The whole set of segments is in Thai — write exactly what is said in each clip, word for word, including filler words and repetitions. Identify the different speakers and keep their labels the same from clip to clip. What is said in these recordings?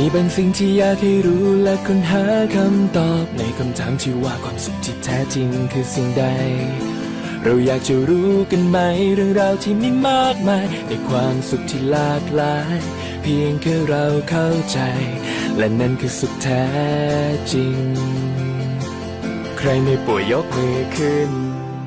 Speaker 1: มีบางสิ่งที่อยากให้รู้และค้นหาคำตอบในคำถามที่ว่าความสุขที่แท้จริงคือสิ่งใดเราอยากจะรู้กันไหมเรื่องราวที่มีมากมายในความสุขที่หลากหลายเพียงแค่เราเข้าใจและนั่นคือสุขแท้จริงใครไม่ป่วยยกมือขึ้น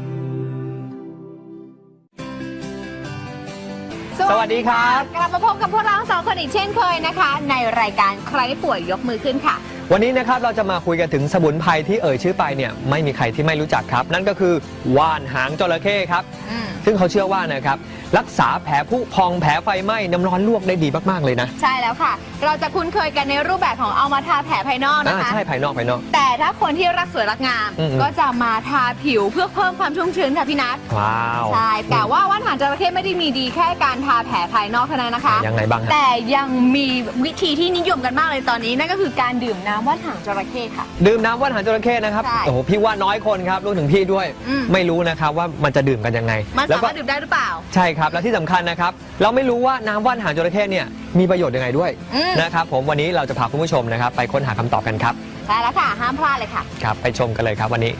Speaker 2: สวัสดีครับ
Speaker 3: กลับมาพบกับพวกเราสองคนอีกเช่นเคยนะคะในรายการใครป่วยยกมือขึ้นค่ะ
Speaker 2: วันนี้นะครับเราจะมาคุยกันถึงสมุนไพรที่เอ่ยชื่อไปเนี่ยไม่มีใครที่ไม่รู้จักครับนั่นก็คือว่านหางจระเข้ครับซึ่งเขาเชื่อว่านะครับรักษาแผลผุพองแผลไฟไหม้น้ำร้อนลวกได้ดีมากๆเลยนะ
Speaker 3: ใช่แล้วค่ะเราจะคุ้นเคยกันในรูปแบบของเอามาทาแผลภายนอกนะคะ
Speaker 2: ใช่ภายนอกภายนอก
Speaker 3: แต่ถ้าคนที่รักสวยรักงามก็จะมาทาผิวเพื่อเพิ่มความชุ่มชื้นค่ะพี่นัท
Speaker 2: ว้าว
Speaker 3: ใช่แต่ว่าว่านหางจระเข้ไม่ได้มีดีแค่การทาแผลภายนอกเท่านั้นนะคะ
Speaker 2: ยังไงบ้าง
Speaker 3: แต่ยังมีวิธีที่นิยมกันมากเลยตอนนี้นั่นก็คือการดื่มน้ำว่านหางจระเข้ค่ะ
Speaker 2: ดื่มน้ำว่านหางจระเข้นะครับโอ้โหพี่ว่าน้อยคนครับรวมถึงพี่ด้วยไม่รู้นะครับว่ามันจะดื่มกันยังไง
Speaker 3: มันสามารถดื่มได้หรือเปล่า
Speaker 2: ใช่ครับและที่สำคัญนะครับเราไม่รู้ว่าน้ำว่านหางจระเข้เนี่ยมีประโยชน์ยังไงด้วยนะครับผมวันนี้เราจะพาคุณผู้ชมนะครับไปค้นหาคำตอบกันครับ
Speaker 3: ใช่แล้วค่ะห้ามพลาดเลยค่ะ
Speaker 2: ครับไปชมกันเลยครับวันนี้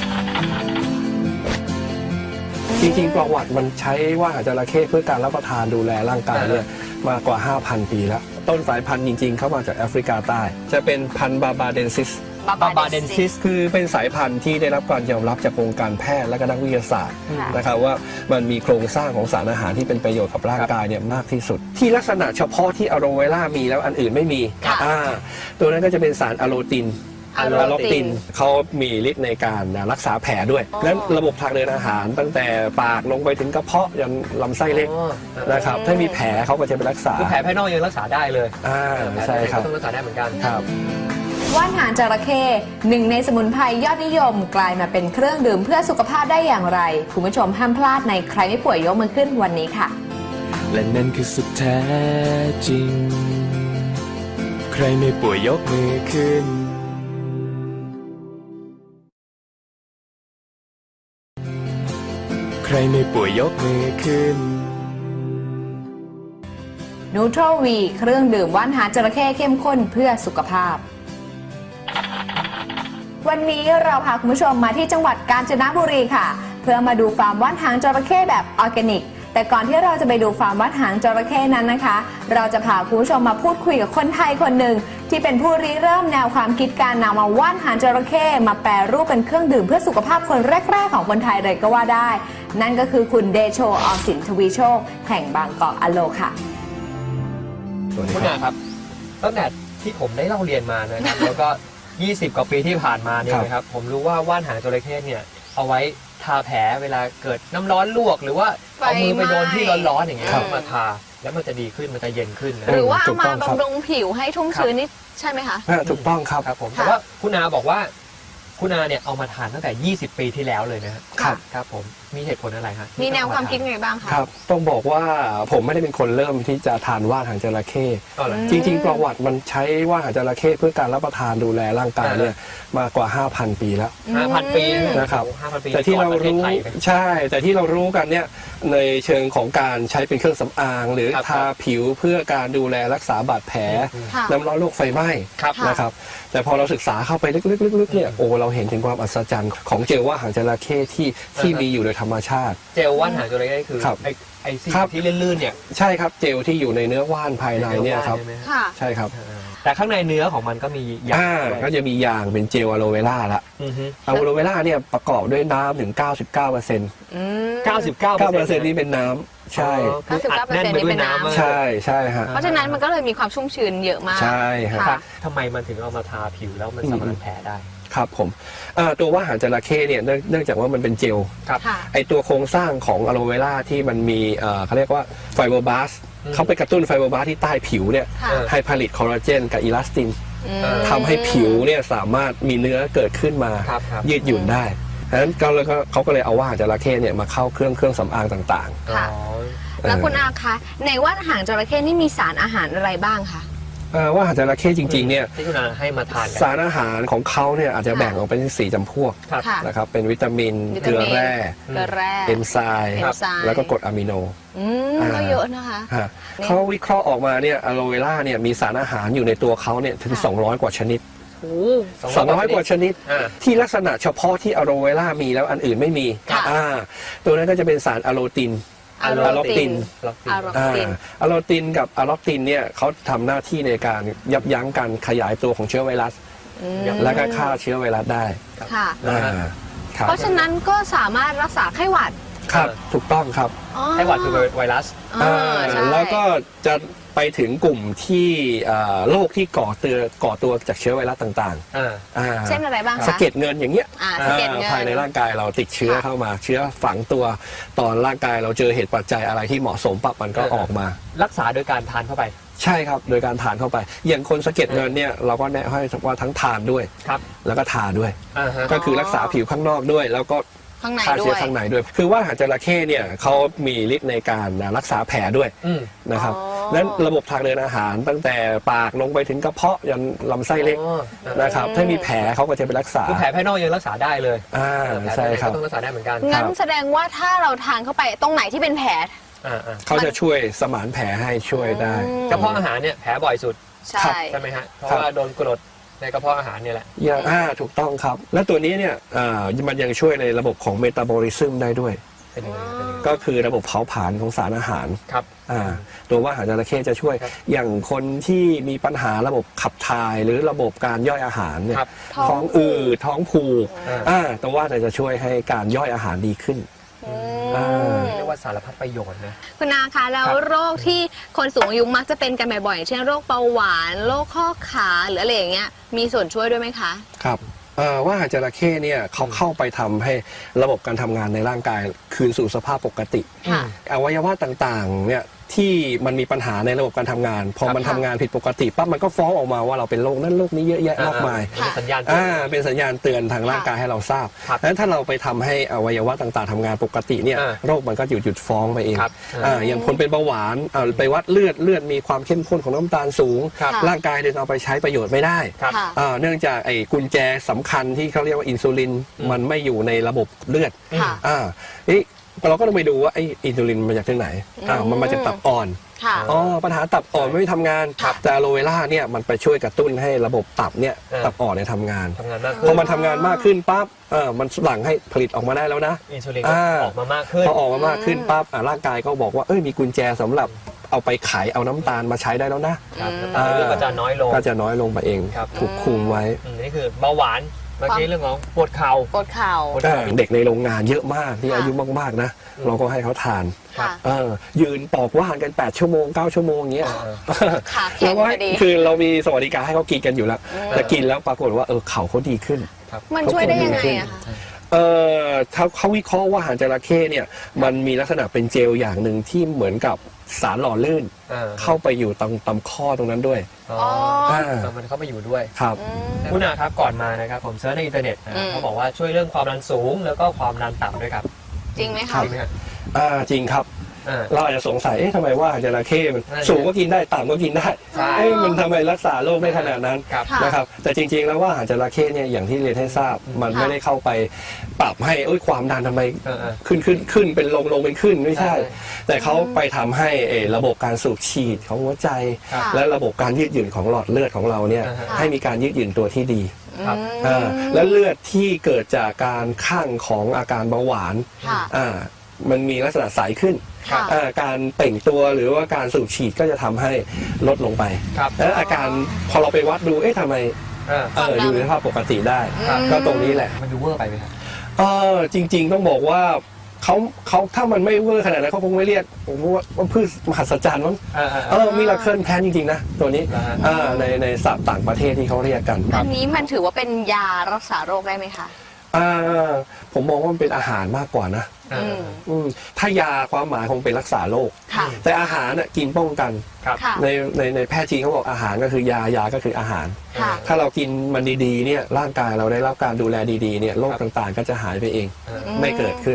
Speaker 4: จริงๆประวัติมันใช้ว่านหางจระเข้เพื่อการรับประทานดูแลร่างกายเนี่ยมากว่า ห้าพัน ปีแล้วต้นสายพันธุ์จริงๆเข้ามาจากแอฟริกาใต้จะเป็นพันธุ์บาบาเดนซิส
Speaker 2: บาบาเดนซิส
Speaker 4: คือเป็นสายพันธุ์ที่ได้รับการยอมรับจากวงการแพทย์และก็นักวิทยาศาสตร์นะครับว่ามันมีโครงสร้างของสารอาหารที่เป็นประโยชน์กับร่างกายเนี่ยมากที่สุดที่ลักษณะเฉพาะที่อะโลเวล่ามีแล้วอันอื่นไม่มีอ่าตัวนั้นก็จะเป็นสารอะโลตินอะโลตินเขามีฤทธิ์ในการรักษาแผลด้วยนั้นระบบทางเดินอาหารตั้งแต่ปากลงไปถึงกระเพาะยันลำไส้เล็กนะครับถ้ามีแผลเขาก็จะไปรักษา
Speaker 2: แผลภายนอกยังรักษาได้เลย
Speaker 4: อ่าใช่ครับ
Speaker 2: ต้องรักษาได้เหมือนกัน
Speaker 4: ครับ
Speaker 3: ว่านหางจระเข้หนึ่งในสมุนไพรยอดนิยมกลายมาเป็นเครื่องดื่มเพื่อสุขภาพได้อย่างไรคุณผู้ชมห้ามพลาดในใครไม่ป่วยยกมือขึ้นวันนี้ค่ะ
Speaker 1: และนั่นคือสุขแท้จริงใครไม่ป่วยยกมือขึ้นใครไม่ป่วยยกมือขึ้น
Speaker 3: นูโตรวีเครื่องดื่มว่านหางจระเข้เข้มข้นเพื่อสุขภาพวันนี้เราพาคุณผู้ชมมาที่จังหวัดกาญจนบุรีค่ะเพื่อมาดูฟาร์มว่านหางจระเข้แบบออร์แกนิกแต่ก่อนที่เราจะไปดูฟาร์มว่านหางจระเข้นั้นนะคะเราจะพาคุณผู้ชมมาพูดคุยกับคนไทยคนหนึ่งที่เป็นผู้ริเริ่มแนวความคิดการนำมาว่านหางจระเข้มาแปรรูปเป็นเครื่องดื่มเพื่อสุขภาพคนแรกๆของคนไทยเลยก็ว่าได้นั่นก็คือคุณเดโชออมสินทวีโชคแห่งบางกอกอโลค่ะ
Speaker 2: คุณอาครับตั้งแต่ที่ผมได้เล่าเรียนมานะครับแล้วก็ยี่สิบกว่าปีที่ผ่านมาเนี่ยนะครับผมรู้ว่าว่านหางจระเข้เนี่ยเอาไว้ทาแผลเวลาเกิดน้ำร้อนลวกหรือว่าเอามือไปโดนที่ร้อนๆอย่างเงี้ยมาทาแล้วมันจะดีขึ้นมันจะเย็นขึ้น
Speaker 3: หรือว่าเอามาบำรุงผิวให้ชุ่มชื้นนี่ใช่ไหมคะ
Speaker 4: ถูกต้องครับ
Speaker 2: ครับผมแต่ว่าคุณอาบอกว่าคุณอาเนี่ยเอามาทานตั้งแต่ยี่สิบปีที่แล้วเลยนะครับครับผมมีเหตุผลอะไรฮะ
Speaker 3: มีแนวความคิดไงบ้างคะ
Speaker 4: ครับต้องบอกว่าผมไม่ได้เป็นคนเริ่มที่จะทานว่านหางจระเข้จริงๆประวัติมันใช้ว่านหางจระเข้เพื่อการรับประทานดูแลร่างกายเนี่ยมากว่า ห้าพัน ปีแล้ว
Speaker 2: ห้าพัน ปี
Speaker 4: นะครับแต่ที่เรารู้ใช่แต่ที่เรารู้กันเนี่ยในเชิงของการใช้เป็นเครื่องสำอางหรือทาผิวเพื่อการดูแลรักษาบาดแผลน้ำร้อนโรคไฟไหม้นะครับแต่พอเราศึกษาเข้าไปลึกๆๆเนี่ยโอ้เราเห็นถึงความอัศจรรย์ของเจลว่านหางจระเข้ที่ที่มีอยู่โดยธรรมชาติ
Speaker 2: เจลว่านหางจระเข้คือไอ้ไอ้สิ่งที่ลื่นๆเนี่ย
Speaker 4: ใช่ครับเจลที่อยู่ในเนื้อว่านภายในเนี่ยครับใช่ครับ
Speaker 2: แต่ข้างในเนื้อของมันก็มียาง
Speaker 4: ก็จะมียางเป็นเจลอะโลเวล่าละอะโลเวล่าเนี่ยประกอบด้วยน้ำถึง เก้าสิบเก้าเปอร์เซ็นต์
Speaker 2: เก้าสิบเก้าเปอร์เซ็นต์
Speaker 4: นี่เป็นน้ำใช่
Speaker 3: เก้าสิบเก้าเปอร์เซ็นต์ นี่เป็นน้ำ
Speaker 4: ใช่ใช่ฮะ
Speaker 3: เพราะฉะนั้นมันก็เลยมีความชุ่มชื้นเยอะมาก
Speaker 4: ใช่ครับ
Speaker 2: ทำไมมันถึงเอามาทาผิวแล้วมันสามารถแผลได้
Speaker 4: ครับผมตัวว่านหางจระเข้เนี่ยเนื่องจากว่ามันเป็นเจลไอตัวโครงสร้างของอะโลเวล่าที่มันมีเขาเรียกว่าไฟโบบาสเขาไปกระตุ้นไฟโบบาสที่ใต้ผิวเนี่ยให้ผลิตคอลลาเจนกับอีลาสตินทำให้ผิวเนี่ยสามารถมีเนื้อเกิดขึ้นมายืดหยุ่นได้ดังนั้นเขาก็เลยเอาว่านหางจระเข้เนี่ยมาเข้าเครื่องเครื่องสำอางต่าง
Speaker 3: ๆแล้วคุณอาคะในว่านหางจระเข้นี่มีสารอาหารอะไรบ้างคะ
Speaker 4: เอ่อว่าอาหารจระเข้จริงๆเนี่ย
Speaker 2: ที่คุณอาให้มาทานกัน
Speaker 4: สารอาหารของเขาเนี่ยอาจจะแบ่งออกเป็นสี่จำพวก
Speaker 2: ครับ
Speaker 3: ค่ะ
Speaker 4: นะครับเป็นวิตามิน
Speaker 3: วิ
Speaker 4: เก
Speaker 3: ตา
Speaker 4: ลือ
Speaker 3: มิน
Speaker 4: แร่
Speaker 3: เกลือแร่
Speaker 4: เอนไซม์
Speaker 3: เอนไซม์
Speaker 4: แล้วก็กรดอะมิโน
Speaker 3: อืม
Speaker 4: อ่า
Speaker 3: ก็เยอะนะคะ
Speaker 4: ฮะเขาวิเคราะห์ออกมาเนี่ยอะโลเวล่าเนี่ยมีสารอาหารอยู่ในตัวเขาเนี่ยถึง
Speaker 3: ค่ะ
Speaker 4: สองร้อย กว่าชนิด
Speaker 3: โอ้
Speaker 4: สองร้อย กว่าชนิด
Speaker 2: อ่า
Speaker 4: ที่ลักษณะเฉพาะที่อะโลเวล่ามีแล้วอันอื่นไม่มี
Speaker 3: ค่ะ
Speaker 4: อ่าตัวนั้นก็จะเป็นสารอะโลติน
Speaker 3: อะโล
Speaker 4: อะโลติ
Speaker 3: ติน
Speaker 4: น
Speaker 2: ล็อกติน
Speaker 3: อะโล
Speaker 4: อ่า
Speaker 3: ติน
Speaker 4: อะโลตินกับอะล็อกตินเนี่ยเขาทำหน้าที่ในการยับยั้งการขยายตัวของเชื้อไวรัส
Speaker 3: อืม
Speaker 4: และก็ฆ่าเชื้อไวรัสได้
Speaker 3: ค่ะ
Speaker 4: อ่าครับ
Speaker 3: เพราะฉะนั้นก็สามารถรักษาไข้หวัด
Speaker 4: ครับถูกต้องครับ
Speaker 3: อ๋อ
Speaker 2: ไข้หวัดคือไวรัส
Speaker 3: อ่า
Speaker 4: อ่า
Speaker 3: ใช่
Speaker 4: แล้วก็จะไปถึงกลุ่มที่อ่าโรคที่ก่อตัวก่อตัวจากเชื้อไวรัสต่าง
Speaker 2: อ่า
Speaker 4: ๆอ่า
Speaker 3: เช่นอะไรบ้างคะ
Speaker 4: สะเก็ดเงินอย่างเงี้ย
Speaker 3: อ่าสะเก็ดเงิน
Speaker 4: ภายในร่างกายเราติดเชื้อ
Speaker 3: ค่ะ
Speaker 4: เข้ามา เชื้อฝังตัวตอนร่างกายเราเจอเหตุปัจจัยอะไรที่เหมาะสมปั๊บมันก็
Speaker 2: เออ
Speaker 4: ออกมา
Speaker 2: รักษาโดยการทานเข้าไป
Speaker 4: ใช่ครับโดยการทานเข้าไป อย่างคนสะเก็ดเงินเนี่ยเราก็แนะให้ว่าทั้งทานด้วย
Speaker 2: ครับ
Speaker 4: แล้วก็ทาด้วย
Speaker 2: อ่าฮะ
Speaker 4: ก็คือรักษาผิวข้างนอกด้วย แล้วก็
Speaker 3: ข้างใน
Speaker 4: ฆ่า
Speaker 3: ด้
Speaker 4: เชื้
Speaker 3: ว
Speaker 4: อย ข้างในด้วย คือว่าอาหารจระเข้เนี่ยเขามีฤทธิ์ในการรักษาแผลด้วย
Speaker 2: อืม
Speaker 4: นะครับ
Speaker 3: อ๋อ
Speaker 4: นั้นระบบทางเดินอาหารตั้งแต่ปากลงไปถึงกระเพาะยันลำไส้เล็ก
Speaker 2: อ๋ออ่า
Speaker 4: นะครับถ้ามีแผลเขาก็จะไปรักษา
Speaker 2: คือแผลภายนอกยังรักษาได้เลย
Speaker 4: อ่า
Speaker 2: แผล
Speaker 4: ใช่
Speaker 2: ภายใน
Speaker 4: ครับ
Speaker 2: ก็ต้องรักษาได้เหมือนกัน
Speaker 3: งั้น
Speaker 4: ครับ
Speaker 3: แสดงว่าถ้าเราทานเข้าไปตรงไหนที่เป็นแผล
Speaker 2: อ่าอ่า
Speaker 4: เขาจะช่วยสมานแผลให้ช่วยได้
Speaker 3: อืม
Speaker 2: กระเพาะอาหารเนี่ยแผลบ่อยสุด
Speaker 3: ใช่
Speaker 2: ใช่ไหมฮะ เพราะ
Speaker 4: ครับ
Speaker 2: ว่าโดนกรดในกระเพาะอาหารเนี่ยแหละ
Speaker 4: อย่างอ่าถูกต้องครับ และตัวนี้เนี่ยอ่ามันยังช่วยในระบบของเมตาบอลิซึมได้ด้วย
Speaker 2: เป็นยังไงเป็นยังไง
Speaker 4: ก็คือระบบเผาผลาญของสารอาหาร
Speaker 2: ครับ
Speaker 4: อ่าตัวว่าอาหารจระเข้จะช่วย
Speaker 2: ครับ
Speaker 4: อย่างคนที่มีปัญหาระบบขับถ่ายหรือระบบการย่อยอาหารเนี่ย
Speaker 2: ครับ
Speaker 4: ท้องอืดท้องผูก
Speaker 2: อ่า
Speaker 4: อ่าตัวว่าจะช่วยให้การย่อยอาหารดีขึ้น
Speaker 3: อื
Speaker 4: อ่า
Speaker 3: ม
Speaker 2: เรียกว่าสารพัดประโยชน์นะ
Speaker 3: คุณนาคะแล้ว
Speaker 2: ครับ
Speaker 3: โรคที่คนสูงอายุมักจะเป็นกันบ่อยๆเช่นโรคเบาหวานโรคข้อขาหรืออะไรอย่างเงี้ยมีส่วนช่วยด้วยไหมคะ
Speaker 4: ครับเอ่อว่าอาหารจระเข้เนี่ยเขาเข้าไปทำให้ระบบการทำงานในร่างกายคืนสู่สภาพปกติ
Speaker 3: ค่ะ
Speaker 4: อวัยวะต่างๆเนี่ยที่มันมีปัญหาในระบบการทำงาน พอ
Speaker 2: ครับ
Speaker 4: มันทำงานผิดปกติปั๊บมันก็ฟ้องออกมาว่าเราเป็นโรคนั้นโรคนี้เยอะแยะมากมาย
Speaker 2: เป็นสัญญาณ
Speaker 4: อ่าเป็นสัญญาณเตือนทางร่างกายให้เราทราบ
Speaker 2: ครับ
Speaker 4: ดังนั้นถ้าเราไปทำให้อวัยวะต่างๆทำงานปกติเนี่ย
Speaker 2: อ่า
Speaker 4: โรคมันก็หยุดหยุดฟ้องไปเอง
Speaker 2: ครับ
Speaker 4: อ่าอย่างคนเป็นเบาหวานอ่าไปวัดเลือดเลือดมีความเข้มข้นของน้ำตาลสูง
Speaker 2: ครับ
Speaker 4: ร่างกายดึงเอาไปใช้ประโยชน์ไม่ได้
Speaker 2: ครับ
Speaker 3: ค่ะ
Speaker 4: อ่าเนื่องจากไอ้กุญแจสำคัญที่เขาเรียกว่าอินซูลิน
Speaker 2: อืม
Speaker 4: มันไม่อยู่ในระบบเลือด
Speaker 3: ค่ะ
Speaker 4: อ่าเอ๊ะเราก็ต้องไปดูว่าไอ้อินซูลินมาจากที่ไหนอ่า
Speaker 3: อืม
Speaker 4: มันมาจากตับอ่อน
Speaker 3: ค่ะ
Speaker 4: อ๋อปัญหาตับอ่อนไม่ทำงาน
Speaker 2: ครับ
Speaker 4: แต่อะโลเวล่าเนี่ยมันไปช่วยกระตุ้นให้ระบบตับเนี่ย
Speaker 2: เออ
Speaker 4: ตับอ่อนเนี่ยทำงาน
Speaker 2: ทำงานมาก
Speaker 4: พ
Speaker 2: ขึ้
Speaker 4: อน มันทำงานมากขึ้นปั๊บเออมันหลั่งให้ผลิตออกมาได้แล้วนะ
Speaker 2: อินซูลินก็
Speaker 4: อ่า
Speaker 2: ออกมามากขึ้น
Speaker 4: พอออกมามากขึ้นปั๊บอ่าร่างกายก็บอกว่าเอ้ยมีกุญแจสำหรับเอาไปขายเอาน้ำตาลมาใช้ได้แล้วนะครับ
Speaker 2: น้ำตาลในเลือดก็จะน้อยลง
Speaker 4: ก็จะน้อยลงไปเอง
Speaker 2: ครับ
Speaker 4: ถูกคุมไว้
Speaker 2: อืมนี่คือเบาหวานเมื่อกี้เรื่องของปวดเข่า
Speaker 3: ปวดเข่า
Speaker 2: ปวด
Speaker 4: เอ
Speaker 2: เข่า
Speaker 4: อเด็กในโรงงานเยอะมากที่
Speaker 3: ค่ะ
Speaker 4: อายุมากๆนะ
Speaker 2: อืม
Speaker 4: เราก็ให้เขาทาน
Speaker 3: ค่ะ
Speaker 4: เออยืนปอกว่านกันแปดชั่วโมงเก้าชั่วโมงเงี้ย
Speaker 3: ขาแข็
Speaker 4: เรา
Speaker 3: ง
Speaker 4: ก็
Speaker 3: พ
Speaker 4: ให้
Speaker 3: อดี
Speaker 4: คือเรามีสวัสดิการให้เขากินกันอยู่แล้ว
Speaker 3: อืม
Speaker 4: แต่กินแล้วปรากฏว่าเออเขาเขาดีขึ้น
Speaker 3: มันช่วยได้ยังไงอะคะ
Speaker 4: เออเขาเขาวิเคราะห์ว่าอาหารจระเข้เนี่ยมันมีลักษณะเป็นเจลอย่างหนึ่งที่เหมือนกับสารหล่อลื่น
Speaker 2: อ่า
Speaker 4: เข้าไปอยู่ตรงตำข้อตรงนั้นด้วย
Speaker 2: อ๋อ
Speaker 4: อ่า
Speaker 2: แต่มันเข้าไปอยู่ด้วย
Speaker 4: ครับ
Speaker 3: อืม
Speaker 2: คุณอาครับก่อนมานะครับผมเซิร์ชในอินเทอร์เน็ตนะ
Speaker 3: อืม
Speaker 2: เขาบอกว่าช่วยเรื่องความดันสูงแล้วก็ความดันต่ำด้วยครับ
Speaker 3: จริงไหม
Speaker 2: จ
Speaker 3: คะ
Speaker 2: ริงไหมฮะ
Speaker 4: อ่าจริงครับ
Speaker 2: อ่า
Speaker 4: เราอาจจะสงสัยเอ๊ะทำไมว่าอาหารจระเข้มัน
Speaker 2: นั่นไง
Speaker 4: สูงก็กินได้ต่ำก็กินได้
Speaker 2: ใช่
Speaker 4: เอ๊ะมันทำไมรักษาโรคได้ขนาดนั้น
Speaker 2: ครับ
Speaker 3: ค่ะ
Speaker 4: นะครับแต่จริงๆแล้วว่าอาหารจระเข้เนี่ยอย่างที่เรียนให้ทราบ มัน
Speaker 3: ค่ะ
Speaker 4: ไม่ได้เข้าไปปรับให้เอ้ยความดันทำไม
Speaker 2: เออเออ
Speaker 4: ขึ้นขึ้นขึ้นเป็นลงลงเป็นขึ้นไม่ใช่
Speaker 2: ใช่
Speaker 4: แต่เขาไปทำให้เอ่อระบบการสูบฉีดของหัวใจ
Speaker 2: ครับ
Speaker 4: และระบบการยืดหยุ่นของหลอดเลือดของเราเนี่ย
Speaker 2: อ่าฮะ
Speaker 4: ให้มีการยืดหยุ่นตัวที่ดี
Speaker 2: ครับ
Speaker 4: อ่าและเลือดที่เกิดจากการข้างของอาการเบาหวาน
Speaker 3: ค่ะ
Speaker 4: อ่ามันมีลักษณะใสขึ้น
Speaker 3: ค่ะ
Speaker 4: อ่าการเปล่งตัวหรือว่าการสูบฉีดก็จะทำให้ลดลงไป
Speaker 2: ครับ
Speaker 4: และอาการพอเราไปวัดดูเอ๊ะทำไม
Speaker 2: อ่า
Speaker 4: เอออยู่ในสภาพปกติได้
Speaker 2: ครับ
Speaker 4: ก็ตรงนี้แหละ
Speaker 2: มันดูเวอร์ไปไหมครับ
Speaker 4: เออจริง ๆ ต้องบอกว่าเขาเขาถ้ามันไม่เวอร์ขนาดนั้นเขาคงไม่เรียกผมว่าว่าพืชมหัศจรรย์มั้ง
Speaker 2: อ่า
Speaker 4: เออมีลาเคิลแพนจริงๆนะตัวนี้
Speaker 2: อ่าฮะ
Speaker 4: อ่าในในศัพท์ต่างประเทศที่เขาเรียกกัน
Speaker 3: อันนี้มันถือว่าเป็นยารักษาโรคได้ไหมคะ
Speaker 4: อ่าผมมองว่ามันเป็นอาหารมากกว่านะ
Speaker 2: อ่า
Speaker 3: อืม
Speaker 4: อืมถ้ายาความหมายคงเป็นรักษาโรค
Speaker 3: ค่ะ
Speaker 4: แต่อาหารน่ะกินป้องกัน
Speaker 2: ครับ
Speaker 3: ค่ะ
Speaker 4: ในในในแพทย์จีนเขาบอกอาหารก็คือยายาก็คืออาหาร
Speaker 3: ค่ะ
Speaker 4: ถ้าเรากินมันดีๆเนี่ยร่างกายเราได้รับการดูแลดีๆเนี่ยโรคต่างๆ ก็จะหายไปเอง
Speaker 2: อ่า
Speaker 3: อืม
Speaker 4: ไม่เกิดขึ้น